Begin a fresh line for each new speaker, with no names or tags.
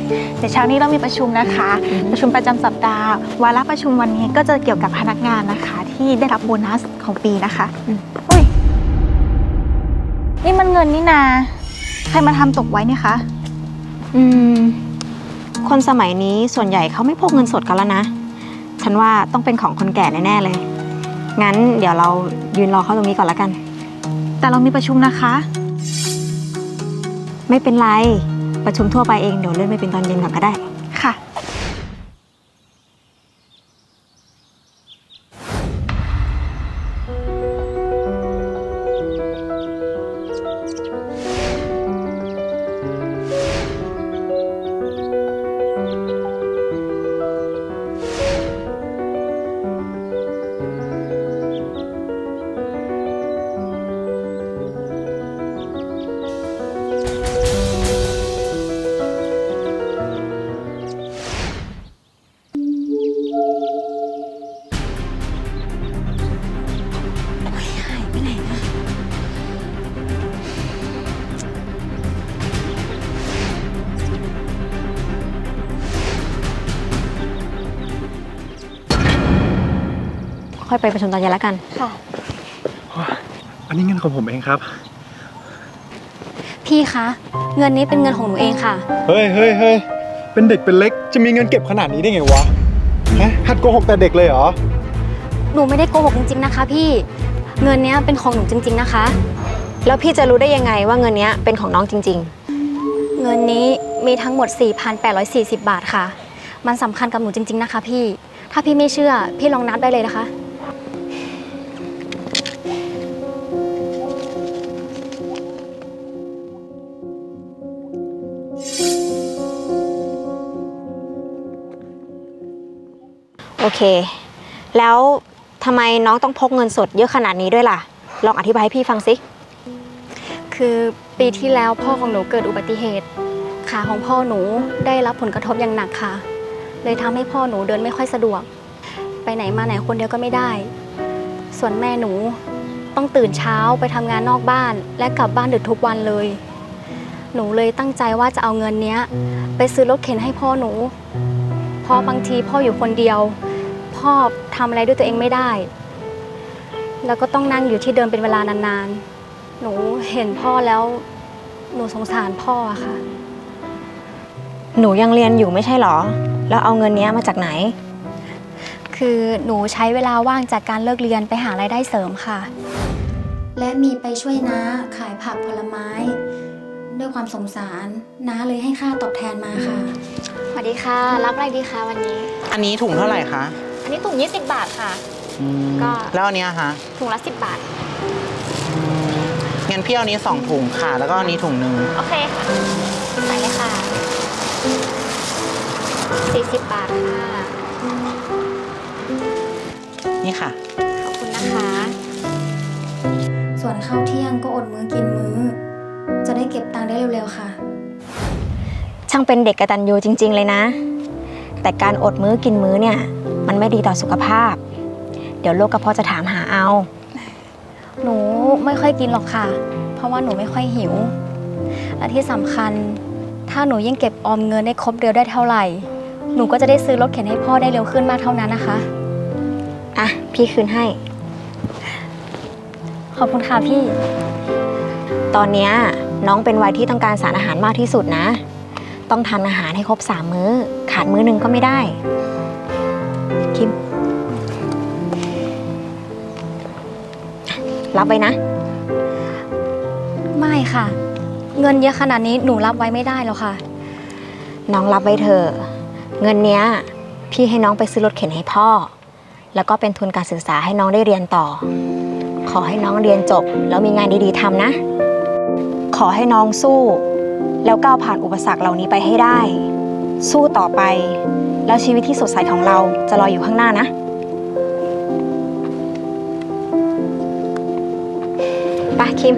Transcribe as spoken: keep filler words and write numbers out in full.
เดี๋ยวเช้านี้เรามีประชุมนะคะ ประชุมประจำสัปดาห์วาระประชุมวันนี้ก็จะเกี่ยวกับพนักงานนะคะที่ได้รับโบนัสของปีนะคะอุ้ยนี่มันเงินนี่นาใครมาทำตกไว้เนี่ยคะ
อืมคนสมัยนี้ส่วนใหญ่เขาไม่พกเงินสดกันแล้วนะฉันว่าต้องเป็นของคนแก่แน่ๆเลยงั้นเดี๋ยวเรายืนรอเขาตรงนี้ก่อนละกัน
แต่เรามีประชุมนะคะ
ไม่เป็นไรประชุมทั่วไปเองเดี๋ยวเลื่อนไปเป็นตอนเย็นก่อนก็ได้
ค่ะ
ค่อยไปประชุมตอนเย็นแล้วกัน
ค่ะ
อันนี้เงินของผมเองครับ
พี่คะเงินนี้เป็นเงินของหนูเองค่ะ
เฮ้ยเฮ้ยเฮ้ยเป็นเด็กเป็นเล็กจะมีเงินเก็บขนาดนี้ได้ไงวะฮะหัดโกหกแต่เด็กเลยเหรอ
หนูไม่ได้โกหกจริงๆนะคะพี่เงินนี้เป็นของหนูจริงๆนะคะ
แล้วพี่จะรู้ได้ยังไงว่าเงินนี้เป็นของน้องจริง
ๆเงินนี้มีทั้งหมด สี่พันแปดร้อยสี่สิบ บาทค่ะมันสำคัญกับหนูจริงๆนะคะพี่ถ้าพี่ไม่เชื่อพี่ลองนับได้เลยนะคะ
โอเคแล้วทำไมน้องต้องพกเงินสดเยอะขนาดนี้ด้วยล่ะลองอธิบายให้พี่ฟังสิ
คือปีที่แล้วพ่อของหนูเกิดอุบัติเหตุขาของพ่อหนูได้รับผลกระทบอย่างหนักค่ะเลยทำให้พ่อหนูเดินไม่ค่อยสะดวกไปไหนมาไหนคนเดียวก็ไม่ได้ส่วนแม่หนูต้องตื่นเช้าไปทำงานนอกบ้านและกลับบ้านดึกทุกวันเลยหนูเลยตั้งใจว่าจะเอาเงินเนี้ยไปซื้อรถเข็นให้พ่อหนูเพราะบางทีพ่ออยู่คนเดียวพ่อทำอะไรด้วยตัวเองไม่ได้แล้วก็ต้องนั่งอยู่ที่เดิมเป็นเวลานานๆหนูเห็นพ่อแล้วหนูสงสารพ่ออะค่ะ
หนูยังเรียนอยู่ไม่ใช่หรอแล้วเอาเงินนี้มาจากไหน
คือหนูใช้เวลาว่างจากการเลิกเรียนไปหารายได้เสริมค่ะและมีไปช่วยน้าขายผักผลไม้ด้วยความสงสารน้าเลยให้ค่าตอบแทนมาค่ะสวัสดีค่ะรับอะไรดีคะวันนี้
อันนี้ถุงเท่าไหร่คะ
อันนี้ถุงยี่สิบบาทค่ะ
ก็แล้วอันนี้ฮะ
ถุงละสิบบาท
งั้นพี่เอานี้สองถุงค่ะแล้วก็อันนี้ถุงหนึ่ง
โอเคค่ะใส่เลยค่ะสี่สิบบาทค่ะ
นี่ค่ะ
ขอบคุณนะคะส่วนข้าวเที่ยงก็อดมื้อกินมื้อจะได้เก็บตังค์ได้เร็วๆค่ะ
ช่างเป็นเด็กกตัญญูจริงๆเลยนะแต่การอดมื้อกินมื้อเนี่ยมันไม่ดีต่อสุขภาพเดี๋ยวโรคกระเพาะจะถามหาเอา
หนูไม่ค่อยกินหรอกค่ะเพราะว่าหนูไม่ค่อยหิวและที่สำคัญถ้าหนูยิ่งเก็บออมเงินได้ครบเดือนได้เท่าไหร่หนูก็จะได้ซื้อรถเข็นให้พ่อได้เร็วขึ้นมากเท่านั้นนะคะ
อ่ะพี่คืนให้
ขอบคุณค่ะพี่
ตอนนี้น้องเป็นวัยที่ต้องการสารอาหารมากที่สุดนะต้องทานอาหารให้ครบสามมื้อขาดมื้อหนึ่งก็ไม่ได้คิมรับไว้นะ
ไม่ค่ะเงินเยอะขนาดนี้หนูรับไว้ไม่ได้แล้วค่ะ
น้องรับไว้เถอะเงินเนี้ยพี่ให้น้องไปซื้อรถเข็นให้พ่อแล้วก็เป็นทุนการศึกษาให้น้องได้เรียนต่อขอให้น้องเรียนจบแล้วมีงานดีๆทำนะขอให้น้องสู้แล้วก้าวผ่านอุปสรรคเหล่านี้ไปให้ได้สู้ต่อไปแล้วชีวิตที่สดใสของเราจะรออยู่ข้างหน้านะไปคิม